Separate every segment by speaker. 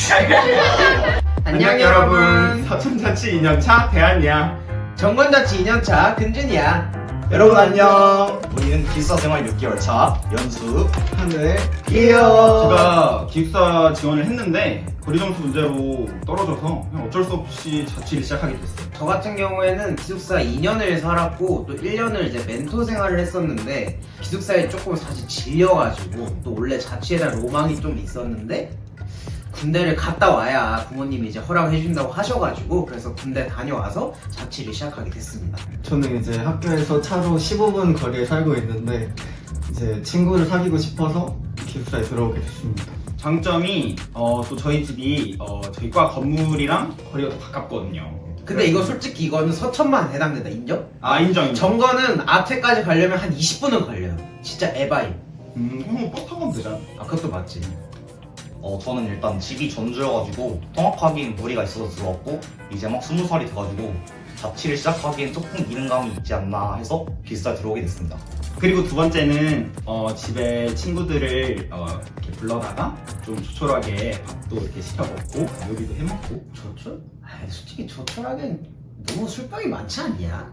Speaker 1: 안녕 여러분. 서천자치 2년차 대한이야.
Speaker 2: 정권자치 2년차 근준이야.
Speaker 3: 여러분 안녕. 우리는 기숙사생활 6개월차 연수
Speaker 2: 하늘
Speaker 3: 이요.
Speaker 1: 제가 기숙사 지원을 했는데 거리 점수 문제로 떨어져서 그냥 어쩔 수 없이 자취를 시작하게 됐어요.
Speaker 2: 저 같은 경우에는 기숙사 2년을 살았고 또 1년을 이제 멘토 생활을 했었는데 기숙사에 조금 사실 질려가지고 또 원래 자취에 대한 로망이 좀 있었는데 군대를 갔다 와야 부모님이 이제 허락을 해준다고 하셔가지고 그래서 군대 다녀와서 자취를 시작하게 됐습니다.
Speaker 4: 저는 이제 학교에서 차로 15분 거리에 살고 있는데 이제 친구를 사귀고 싶어서 기숙사에 들어오게 됐습니다.
Speaker 1: 장점이 또 저희 집이 저희 과 건물이랑 거리가 더 가깝거든요.
Speaker 2: 근데 이거 솔직히 이거는 서천만 해당된다. 인정?
Speaker 1: 인정.
Speaker 2: 정거는 아트까지 가려면 한 20분은 걸려요. 진짜 에바임.
Speaker 1: 그럼 버스 타고 가면 되잖아.
Speaker 2: 그것도 맞지.
Speaker 3: 저는 일단 집이 전주여가지고 통학하기엔 무리가 있어서 들어왔고 이제 막 20살이 돼가지고 자취를 시작하기엔 조금 이른감이 있지 않나 해서 기숙사에 들어오게 됐습니다.
Speaker 1: 그리고 두 번째는 집에 친구들을 이렇게 불러다가 좀 조촐하게 밥도 이렇게 시켜 먹고 요리도 해 먹고.
Speaker 2: 조촐? 솔직히 조촐하긴 너무 술병이 많지 않냐?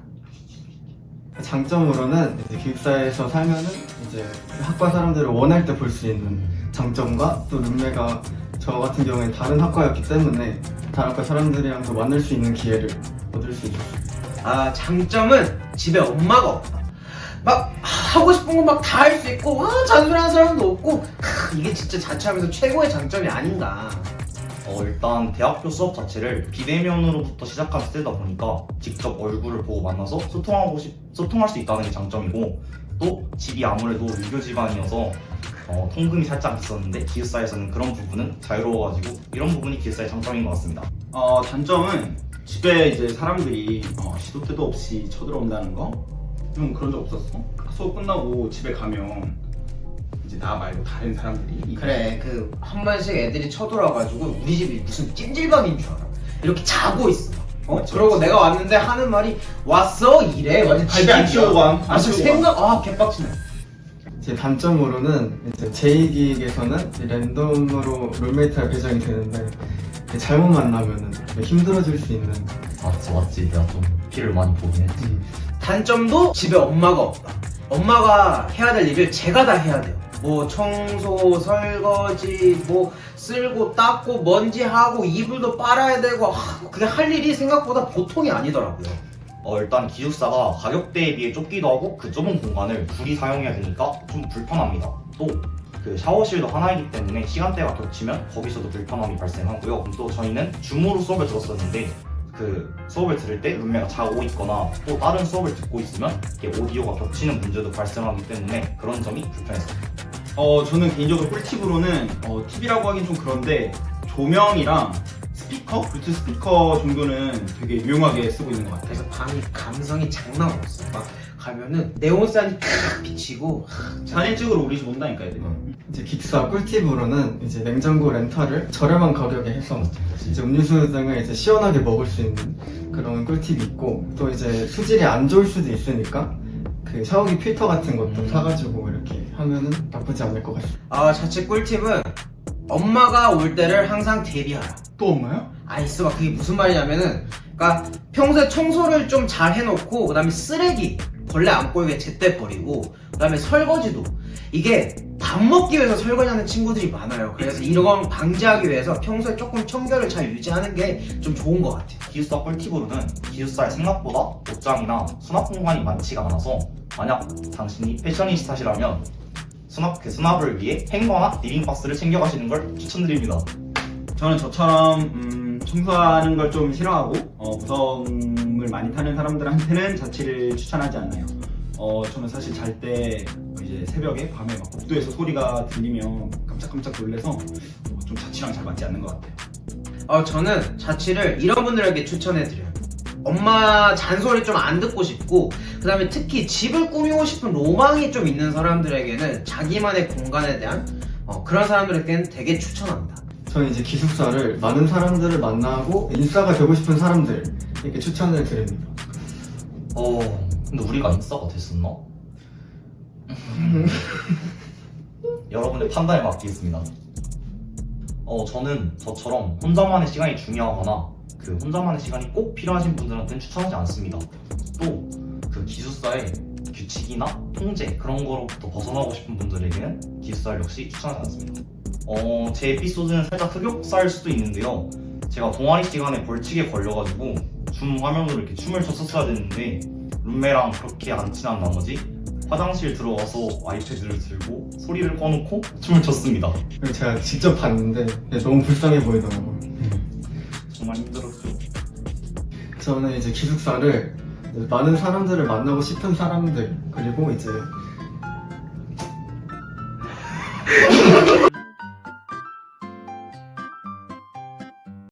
Speaker 4: 장점으로는 이제 기숙사에서 살면은 이제 학과 사람들을 원할 때 볼 수 있는 장점과 또 룸메가 저 같은 경우엔 다른 학과였기 때문에 다른 학과 사람들이랑 또 만날 수 있는 기회를 얻을 수 있었어요.
Speaker 2: 장점은 집에 엄마가 없다. 막 하고 싶은 거 막 다 할 수 있고 잔소리하는 사람도 없고 이게 진짜 자취하면서 최고의 장점이 아닌가.
Speaker 3: 일단 대학교 수업 자체를 비대면으로부터 시작한 시대다 보니까 직접 얼굴을 보고 만나서 소통할 수 있다는 게 장점이고 또 집이 아무래도 유교 집안이어서 통금이 살짝 있었는데 기숙사에서는 그런 부분은 자유로워가지고 이런 부분이 기숙사의 장점인 것 같습니다.
Speaker 1: 단점은 집에 이제 사람들이 시도 때도 없이 쳐들어온다는 거? 좀 그런 적 없었어? 수업 끝나고 집에 가면 이제 나 말고 다른 사람들이
Speaker 2: 그래 한 번씩 애들이 쳐들어와가지고 우리 집이 무슨 찜질방인 줄 알아. 이렇게 자고 있어. 그러고 내가 왔는데 하는 말이 왔어? 이래? 완전
Speaker 1: 집에 안 치우고 가.
Speaker 2: 개빡치네.
Speaker 4: 제 단점으로는 이제 제2기획에서는 랜덤으로 룸메이트가 배정이 되는데 잘못 만나면은 힘들어질 수 있는.
Speaker 3: 맞지. 내가 좀 피를 많이 보긴 했지.
Speaker 2: 단점도 집에 엄마가 없다. 엄마가 해야 될 일을 제가 다 해야 돼요. 뭐 청소, 설거지, 뭐 쓸고 닦고 먼지하고 이불도 빨아야 되고 그게 할 일이 생각보다 보통이 아니더라고요.
Speaker 3: 일단 기숙사가 가격대에 비해 좁기도 하고 그 좁은 공간을 둘이 사용해야 되니까 좀 불편합니다. 또 그 샤워실도 하나이기 때문에 시간대가 겹치면 거기서도 불편함이 발생하고요. 또 저희는 줌으로 수업을 들었었는데 그 수업을 들을 때 룸메가 자고 있거나 또 다른 수업을 듣고 있으면 이게 오디오가 겹치는 문제도 발생하기 때문에 그런 점이 불편했습니다.
Speaker 1: 저는 개인적으로 꿀팁으로는 팁이라고 하긴 좀 그런데 조명이랑 스피커? 블루투스 스피커 정도는 되게 유용하게 쓰고 있는 것 같아요.
Speaker 2: 그래서 방이 감성이 장난 없어. 막 가면은 네온산이 탁 비치고
Speaker 1: 사진 찍으러 우리 집 온다니까 애들이.
Speaker 4: 이제 기숙사 꿀팁으로는 이제 냉장고 렌탈을 저렴한 가격에 해서 이제 음료수 등을 이제 시원하게 먹을 수 있는 그런 꿀팁이 있고 또 이제 수질이 안 좋을 수도 있으니까 그 샤워기 필터 같은 것도 사가지고 이렇게 하면은 나쁘지 않을 것 같습니다.
Speaker 2: 자칫 꿀팁은 엄마가 올 때를 항상 대비하라.
Speaker 1: 또 엄마야?
Speaker 2: 있어봐. 그게 무슨 말이냐면은 그러니까 평소에 청소를 좀 잘 해놓고 그 다음에 쓰레기 벌레 안 꼬이게 제때 버리고 그 다음에 설거지도 이게 밥 먹기 위해서 설거지하는 친구들이 많아요. 그래서 이런 방지하기 위해서 평소에 조금 청결을 잘 유지하는 게 좀 좋은 것 같아요.
Speaker 3: 기숙사 꿀팁으로는 기숙사에 생각보다 옷장이나 수납 공간이 많지가 않아서 만약 당신이 패셔니스타시라면 수납을 위해 행거나 리빙박스를 챙겨가시는 걸 추천드립니다.
Speaker 1: 저는 저처럼 청소하는 걸 좀 싫어하고 무덤을 많이 타는 사람들한테는 자취를 추천하지 않아요. 저는 사실 잘 때 이제 새벽에 밤에 막 복도에서 소리가 들리면 깜짝깜짝 놀래서 좀 자취랑 잘 맞지 않는 것 같아요.
Speaker 2: 저는 자취를 이런 분들에게 추천해드려요. 엄마 잔소리 좀 안 듣고 싶고 그 다음에 특히 집을 꾸미고 싶은 로망이 좀 있는 사람들에게는 자기만의 공간에 대한 그런 사람들에게는 되게 추천합니다.
Speaker 4: 저는 이제 기숙사를 많은 사람들을 만나고 인싸가 되고 싶은 사람들 이렇게 추천을 드립니다.
Speaker 3: 근데 우리가 인싸가 됐었나? 여러분의 판단에 맡기겠습니다. 저는 저처럼 혼자만의 시간이 중요하거나 그 혼자만의 시간이 꼭 필요하신 분들한테는 추천하지 않습니다. 또 그 기숙사의 규칙이나 통제 그런 거로부터 벗어나고 싶은 분들에게는 기숙사를 역시 추천하지 않습니다. 제 에피소드는 살짝 흑역사일 수도 있는데요. 제가 동아리 시간에 벌칙에 걸려가지고 줌 화면으로 이렇게 춤을 췄었어야 됐는데 룸메랑 그렇게 안 친한 나머지 화장실 들어가서 아이패드를 들고 소리를 꺼놓고 춤을 췄습니다.
Speaker 4: 그리고 제가 직접 봤는데 너무 불쌍해 보이더라고요.
Speaker 3: 정말 힘들었죠.
Speaker 4: 저는 이제 기숙사를 많은 사람들을 만나고 싶은 사람들 그리고 이제